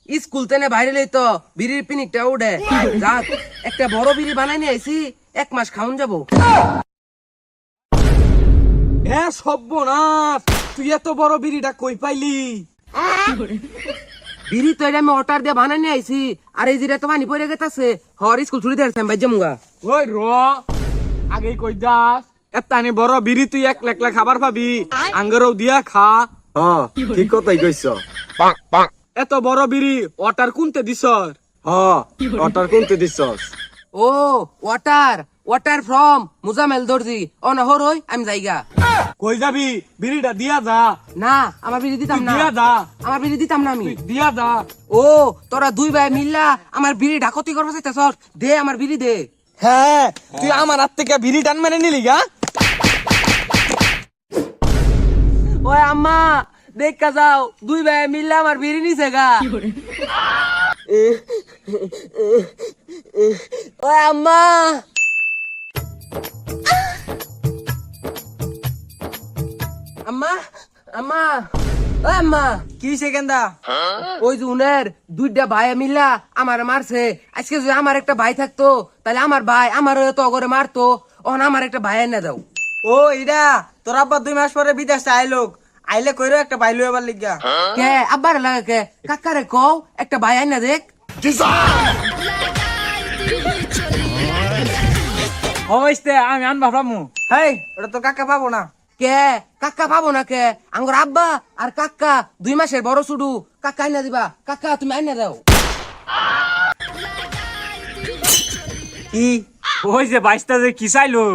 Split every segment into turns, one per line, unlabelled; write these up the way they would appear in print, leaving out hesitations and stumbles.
School তেনে বাইরে লইতো বিড়ির পিনিকটা উঠে যাক একটা বড় বিড়ি বানাই নিয়ে আইছি 1 মাস খাওন যাবো।
হ্যাঁ সর্বনাশ, তুই এত বড় বিড়িটা কই পাইলি?
বিড়ি তো এটা আমি অর্ডার দিয়ে বানাই নিয়ে আইছি, আর এই যেটা তো পানি পড়ে গেছে হর স্কুল ছুটি দিয়ে আসলাম বাইর যামুগা।
ওই র আগেই কই যাস, এতানি বড় বিড়ি তুই এক লাখ খাবার পাবি, আঙ্গরও দিয়া খা।
হ্যাঁ ঠিক কথাই কইছ।
এত বড় বিড়ি ওয়াটার কুনতে দিছ?
হ্যাঁ অটার কোনতে দিছস?
ও ওয়াটার ফ্রম মুজামেল দর্জি অনহর হই আমি যাইগা।
কই যাবি? বিড়িটা দিয়া যা।
না আমার বিড়ি দিতাম
তুই
না,
দিয়া যা,
আমার বিড়ি দিতাম না আমি।
তুই দিয়া যা।
ও তোরা দুই ভাই মিল্লা আমার বিড়ি ঢাকতি করবা চাইতাছ, দে আমার বিড়ি দে।
হ্যাঁ তুই আমার হাত থেকে বিড়ি টান মেরে নিলি গা?
ওই আম্মা দেখা যাও দুই ভাই মিল্লা আমার বিড়ি নিছে গা। ওই আম্মা আম্মা আম্মা ওই আম্মা
কি সেকেন্দা?
ওই যে উনের দুইটা ভাই মিল্লা আমার মারছে। আজকে যদি আমার একটা ভাই থাকতো তাহলে আমার ভাই আমার তো করে মারতো, ওন আমার একটা ভাই এনে দাও।
ও ইডা তোর আব্বা 2 মাস পরে বিদেশ আইলোক, আইলে কইরো একটা বাইলু এবার লিগা।
কে আব্বার লাগে কে কাকারে কও একটা ভাই এনে দেখ।
হইছে আমি আন ভাবলামু। হেই ওটা তো কাকা পাবো না।
কে কাকা পাবো না কে আঙ্গুর আব্বা আর কাকা 2 মাসের বড় শুডু, কাকা আইনা দিবা, কাকা তুমি আইনা দাও।
কি ওই যে 22টা যে কি চাইলো?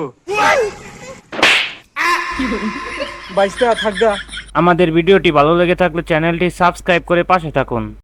22টা থাকবা।
আমাদের ভিডিওটি ভালো লেগে থাকলে চ্যানেলটি সাবস্ক্রাইব করে পাশে থাকুন।